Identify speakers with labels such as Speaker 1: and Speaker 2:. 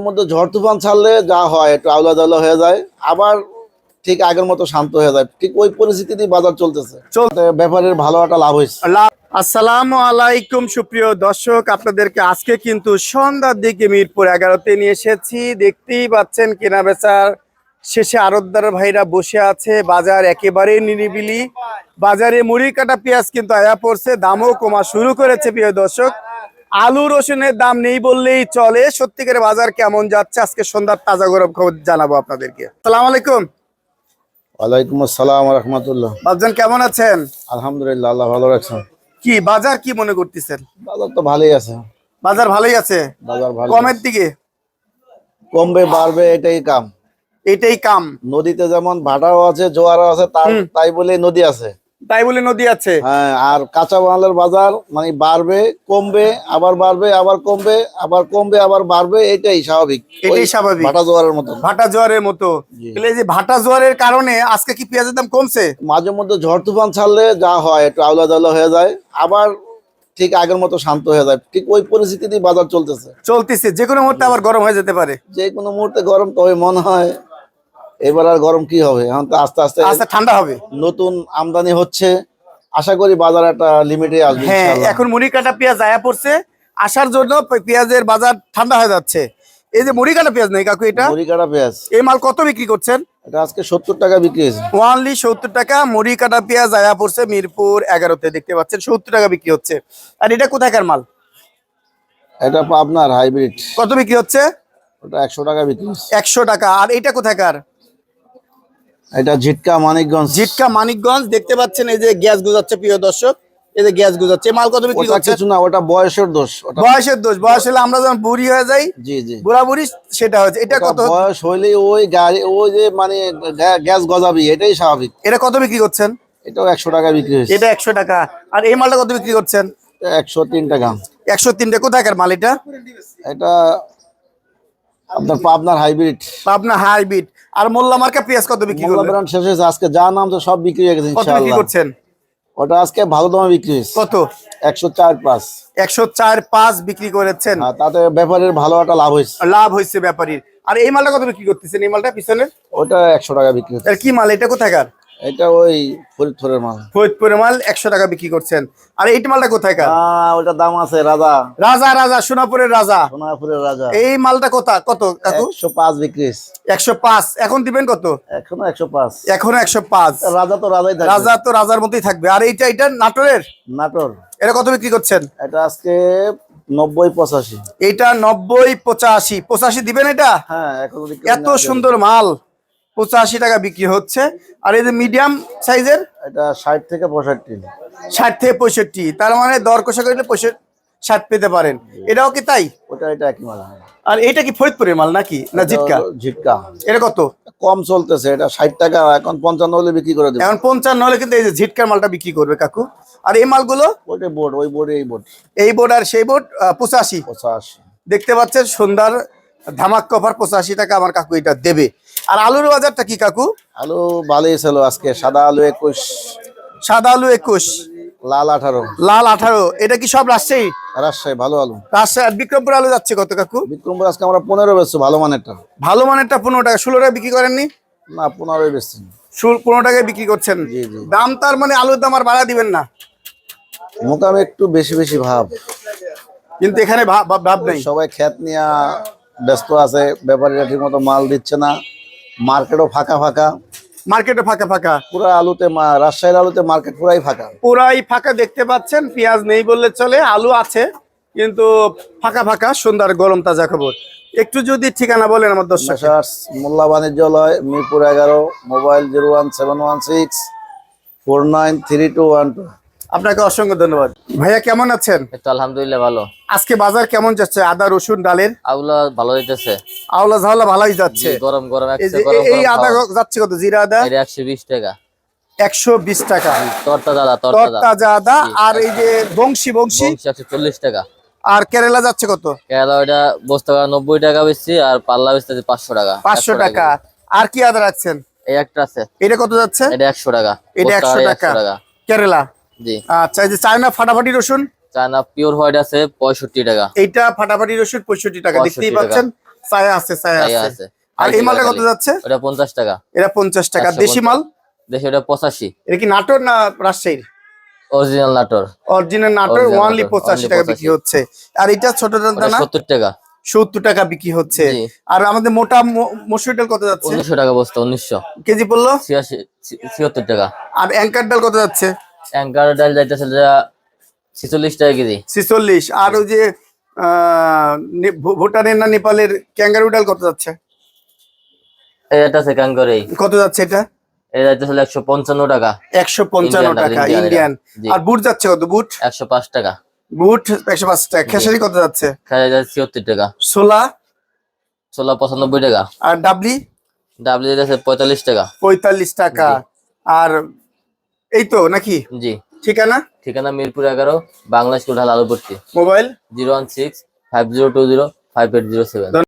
Speaker 1: মধ্যে ঝড় তুফান ছাড়লে যা হয় একটু আওলা দাওলা হয়ে যায়, আবার ঠিক আগের মতো শান্ত হয়ে যায়। ঠিক ওই পরিস্থিতিতেই বাজার চলতেছে। ব্যাপারের ভালো একটা লাভ হয়েছে।
Speaker 2: আসসালামু আলাইকুম সুপ্রিয় দর্শক, আপনাদেরকে আজকে কিন্তু সন্ধ্যার দিকে মিরপুর 11-তে নিয়ে এসেছি। দেখতেই পাচ্ছেন কেনা বেচার শেষে আড়তদার ভাইরা বসে আছে। বাজার একেবারে নিরিবিলি। বাজারে মুড়ি কাটা পেঁয়াজ কিন্তু আয়া পড়ছে, দামও কমা শুরু করেছে। প্রিয় দর্শক, আলু রসুনের দাম নেই বললেই চলে। সত্যিকারের বাজার কেমন যাচ্ছে আজকে সন্ধ্যার তাজা গরম খবর জানাবো আপনাদেরকে। আসসালামু আলাইকুম।
Speaker 1: ওয়ালাইকুম আসসালাম রাহমাতুল্লাহ।
Speaker 2: বাবজান কেমন আছেন?
Speaker 1: আলহামদুলিল্লাহ, আল্লাহ ভালো রাখছেন।
Speaker 2: কি বাজার কি মনে করতেছেন?
Speaker 1: বাজার তো ভালোই আছে।
Speaker 2: বাজার ভালোই আছে,
Speaker 1: বাজার ভালো।
Speaker 2: কমের দিকে
Speaker 1: কমবে বাড়বে এটাই কাম।
Speaker 2: এটাই কাম।
Speaker 1: নদীতে যেমন ভাটাও আছে, জোয়ারও আছে, তাই বলে নদী আছে।
Speaker 2: তাই বলে নদী আছে।
Speaker 1: হ্যাঁ, আর কাঁচা মালের বাজার মানে বাড়বে কমবে, আবার বাড়বে আবার কমবে, আবার কমবে আবার বাড়বে, এটাই স্বাভাবিক।
Speaker 2: এটাই স্বাভাবিক,
Speaker 1: ভাটা জোয়ারের মতো।
Speaker 2: ভাটা জোয়ারের মতো। তাহলে এই যে ভাটা জোয়ারের কারণে আজকে কি পেঁয়াজের দাম কমছে?
Speaker 1: মাঝে মধ্যে ঝড় তুফান ছাড়লে যা হয় একটু আওলা দাওলা হয়ে যায়, আবার ঠিক আগের মতো শান্ত হয়ে যায়। ঠিক ওই পরিস্থিতিতেই বাজার চলতেছে।
Speaker 2: যে কোনো মুহূর্তে আবার গরম হয়ে যেতে পারে।
Speaker 1: যে কোনো মুহূর্তে গরম, তবে মনে হয় এবার আর গরম কি হবে, এখন তো আস্তে আস্তে
Speaker 2: আচ্ছা ঠান্ডা হবে।
Speaker 1: নতুন আমদানি হচ্ছে, আশা করি বাজার একটা লিমিটে আসবে।
Speaker 2: হ্যাঁ, এখন মুড়ি কাটা পেঁয়াজ আয়া পড়ছে, আসার জন্য পেঁয়াজের বাজার ঠান্ডা হয়ে যাচ্ছে। এই যে মুড়ি কাটা পেঁয়াজ নেই কাকু, এটা
Speaker 1: মুড়ি কাটা পেঁয়াজ,
Speaker 2: এই মাল কত বিক্রি করছেন?
Speaker 1: এটা আজকে 70 টাকা বিক্রি হয়েছে।
Speaker 2: ওয়ানলি 70 টাকা মুড়ি কাটা পেঁয়াজ আয়া পড়ছে মিরপুর 11-তে। দেখতে পাচ্ছেন 70 টাকা বিক্রি হচ্ছে। আর এটা কোথাকার মাল?
Speaker 1: এটা আপনার হাইব্রিড।
Speaker 2: কত বিক্রি হচ্ছে?
Speaker 1: ওটা 100 টাকা বিক্রি হচ্ছে।
Speaker 2: 100 টাকা। আর এটা কোথাকার?
Speaker 1: এটা ঝিটকা মানিকগঞ্জ।
Speaker 2: ঝিটকা মানিকগঞ্জ। দেখতে পাচ্ছেন এই যে গ্যাস গুজাচ্ছে প্রিয় দর্শক, এই যে গ্যাস গুজাচ্ছে। মাল কত বিক্রি
Speaker 1: ওটা
Speaker 2: করছে?
Speaker 1: কিছু না, ওটা বয়সের দোষ। ওটা
Speaker 2: বয়সের দোষ। বয়স হলে আমরা যখন বুড়ি হয়ে যাই,
Speaker 1: জি জি,
Speaker 2: বুড়া বুড়ি সেটা হচ্ছে। এটা
Speaker 1: ওটা
Speaker 2: কত?
Speaker 1: বয়স হইলে ওই গাড়ি ওই যে মানে গ্যাস গজাবি, এটাই স্বাভাবিক।
Speaker 2: এটা কত বিক্রি করছেন?
Speaker 1: এটাও 100 টাকা বিক্রি হয়েছে।
Speaker 2: এটা 100 টাকা। আর এই মালটা কত বিক্রি করছেন?
Speaker 1: 103 টাকা।
Speaker 2: 103 টাকা। কোথাকার মাল এটা?
Speaker 1: এটা আপনার পাবনার হাইব্রিড।
Speaker 2: পাবনা হাইব্রিড। আর মোল্লা মার্কা পেঁয়াজ কত বিক্রি
Speaker 1: মোল্লা
Speaker 2: করলেন?
Speaker 1: ব্র্যান্ড শেষ হয়েছে, আজকে যা নাম তো সব বিক্রি হয়ে গেছে
Speaker 2: কত বিক্রি
Speaker 1: ইনশাআল্লাহ।
Speaker 2: করছেন?
Speaker 1: ওটা আজকে ভালো দামে বিক্রি হয়েছে।
Speaker 2: কত?
Speaker 1: 104.5।
Speaker 2: 104.5 বিক্রি করেছেন।
Speaker 1: হ্যাঁ, তাতে ব্যাপারের ভালো একটা লাভ হয়েছে।
Speaker 2: লাভ হয়েছে ব্যাপারীর। আর এই মালটা কত বিক্রি করতেছেন? এই মালটা পিছনের
Speaker 1: ওটা 100 টাকা বিক্রি হচ্ছে।
Speaker 2: এর কি মাল? এটা কোথাকার?
Speaker 1: এটা ওই ফরিদপুরের মাল।
Speaker 2: ফরিদপুরের মাল 100 টাকা বিক্রি করছেন। আর এই মালটা কোথাকার?
Speaker 1: ওটা দাম আছে রাজা।
Speaker 2: রাজা। রাজা, সোনাপুরের রাজা।
Speaker 1: সোনাপুরের রাজা।
Speaker 2: এই মালটা কত কাকু?
Speaker 1: 105 বিক্রি হয়েছে।
Speaker 2: 105। এখন দিবেন কত?
Speaker 1: এখনো 105।
Speaker 2: এখনো 105।
Speaker 1: রাজা তো রাজাই থাকবে।
Speaker 2: রাজা তো রাজার মতোই থাকবে। আর এটা নাটোরের?
Speaker 1: নাটোর।
Speaker 2: এটা কত বিক্রি করছেন?
Speaker 1: এটা আজকে 90-85।
Speaker 2: এটা 90-85। 85 দিবেন এটা?
Speaker 1: হ্যাঁ, এখনো বিক্রি
Speaker 2: এত সুন্দর মাল 85 টাকা বিক্রি হচ্ছে। আর এই যে মিডিয়াম সাইজের?
Speaker 1: এটা 60 থেকে 65।
Speaker 2: 60 থেকে 65। তার মানে দর কষা করলে 60 পেতে পারেন। এটাও কি তাই?
Speaker 1: এটা একই মাল।
Speaker 2: আর এটা কি ফরিদপুরের মাল নাকি না ঝিটকা?
Speaker 1: ঝিটকা।
Speaker 2: এটা কত?
Speaker 1: কম চলতেছে, এটা 60 টাকা, এখন 55 হলে বিক্রি করে দেব।
Speaker 2: এখন 55 হলে কিন্তু এই যে ঝিটকার মালটা বিক্রি করবে কাকু। আর এই মালগুলো?
Speaker 1: ওইটা বোর্ড, ওই বোর্ডে এই বোর্ড।
Speaker 2: এই বোর্ড আর সেই বোর্ড 85।
Speaker 1: 85।
Speaker 2: দেখতে পাচ্ছেন সুন্দর ধামাক কভার 85 টাকা আমার কাকু এটা দেবে। আর আলুর বাজারটা কি কাকু?
Speaker 1: আলু ভালোই ছিল আজকে। সাদা আলু 21।
Speaker 2: সাদা আলু 21,
Speaker 1: লাল 18।
Speaker 2: লাল 18। এটা কি সব রাজশাহী?
Speaker 1: রাজশাহী ভালো আলু।
Speaker 2: রাজশাহী। আর বিক্রমপুর আলু যাচ্ছে কত কাকু?
Speaker 1: বিক্রমপুর আজকে আমরা 15 বেচছি, ভালো মানেরটা।
Speaker 2: ভালো মানেরটা 15 টাকা। 16 টাকা বিক্রি করেননি?
Speaker 1: না, 15 বেচছি।
Speaker 2: 15 টাকায় বিক্রি করছেন।
Speaker 1: জি জি।
Speaker 2: দাম তার মানে আলুর দাম আর বাড়া দিবেন না?
Speaker 1: মোকামে একটু বেশি বেশি ভাব,
Speaker 2: কিন্তু এখানে ভাব নেই।
Speaker 1: সবাই ক্ষেত নিয়ে ব্যস্ত আছে, ব্যাপারীরা ঠিক মতো মাল দিচ্ছে না, মার্কেটও ফাঁকা ফাঁকা।
Speaker 2: মার্কেটে ফাঁকা ফাঁকা।
Speaker 1: পুরা আলুতে রাজশাহীর আলুতে মার্কেট পুরাই ফাঁকা।
Speaker 2: পুরাই ফাঁকা দেখতে পাচ্ছেন। পেঁয়াজ নেই বললে চলে, আলু আছে কিন্তু ফাঁকা ফাঁকা। সুন্দর গরম তাজা খবর। একটু যদি ঠিকানা বলেন আমার দর্শক।
Speaker 1: মোল্লা বাণিজ্যালয়, মিরপুর 11, মোবাইল 01716
Speaker 2: আপনাকে অসংখ্য ধন্যবাদ। ভাইয়া কেমন আছেন?
Speaker 3: তো আলহামদুলিল্লাহ ভালো।
Speaker 2: আজকে বাজার কেমন যাচ্ছে? আদা রসুন ডালের
Speaker 3: আগুলা ভালো হইতেছে।
Speaker 2: আওলা ঝাওলা ভালোই যাচ্ছে।
Speaker 3: গরম গরম
Speaker 2: এই আদা যাচ্ছে কত? জিরা আদা
Speaker 3: 120 টাকা।
Speaker 2: 120 টাকা।
Speaker 3: তরতাজা
Speaker 2: আদা। আর এই যে বংশী
Speaker 3: 140 টাকা।
Speaker 2: আর কেরালা যাচ্ছে কত?
Speaker 3: কেরালা ওইটা বস্তা 90 টাকা বেশি, আর পাল্লা বেচতেছে 500 টাকা।
Speaker 2: 500 টাকা। আর কি আদা রাখছেন?
Speaker 3: এই একটা আছে।
Speaker 2: এটা কত যাচ্ছে?
Speaker 3: এটা 100 টাকা।
Speaker 2: এটা 100 টাকা কেরালা।
Speaker 3: জি।
Speaker 2: আচ্ছা, এই যে চায়না ফাটাফাটি রসুন?
Speaker 3: চায়না পিওর হোয়াইট আছে 65 টাকা।
Speaker 2: এইটা ফাটাফাটি রসুন 65 টাকা। দেখতেই পাচ্ছেন ছায়া আছে, ছায়া
Speaker 3: ছায়া
Speaker 2: আছে।
Speaker 3: আছে।
Speaker 2: আর এই মালটা কত
Speaker 3: খালি।
Speaker 2: যাচ্ছে?
Speaker 3: ওটা 50 টাকা।
Speaker 2: এটা 50 টাকা।
Speaker 3: 150
Speaker 2: দেশি মাল?
Speaker 3: দেশে ওটা 85।
Speaker 2: এটা কি নাটোর না রাজশাহীর?
Speaker 3: Original Natore.
Speaker 2: Original Natore,
Speaker 3: Original
Speaker 2: only
Speaker 3: Natore,
Speaker 2: 85
Speaker 3: only
Speaker 2: টাকা
Speaker 3: 85
Speaker 2: বিক্রি হচ্ছে। আর এটা ছোট
Speaker 3: ওটা
Speaker 2: দানা
Speaker 3: 70 টাকা।
Speaker 2: 70 টাকা বিক্রি হচ্ছে।
Speaker 3: জি।
Speaker 2: আর আমাদের মোটা মসুর ডাল কত যাচ্ছে?
Speaker 3: 1900 টাকা বস্তা। 1900।
Speaker 2: কেজি পড়লো?
Speaker 3: 76 টাকা।
Speaker 2: আর অ্যাঙ্কার ডাল কত যাচ্ছে?
Speaker 3: অ্যাঙ্কার ডাল যাইতেছে 46 টাকা কেজি।
Speaker 2: 46। আর ওই যে ভুটানের না নেপালের ক্যাঙ্গারু ডাল কত যাচ্ছে?
Speaker 3: এটা আছে কাঙ্গরে।
Speaker 2: কত যাচ্ছে এটা?
Speaker 3: এটা যাইতেছে 155 টাকা।
Speaker 2: 155
Speaker 3: Indian ডাল,
Speaker 2: টাকা
Speaker 3: Indian
Speaker 2: ইন্ডিয়ান।
Speaker 3: জি।
Speaker 2: আর বুট যাচ্ছে কত? বুট
Speaker 3: 105 টাকা।
Speaker 2: বুট 105 টাকা। খেসারি কত যাচ্ছে?
Speaker 3: খাওয়া যায় 76 টাকা।
Speaker 2: ছোলা?
Speaker 3: ছোলা 95 টাকা।
Speaker 2: আর ডাবলি?
Speaker 3: ডাবলি যাচ্ছে 45 টাকা।
Speaker 2: 45 টাকা। আর এই তো নাকি?
Speaker 3: জি।
Speaker 2: ঠিকানা?
Speaker 3: ঠিকানা মিরপুর 11, বাংলা স্কুল ঢাল আলুপট্টি।
Speaker 2: মোবাইল?
Speaker 3: 016 5020 5807।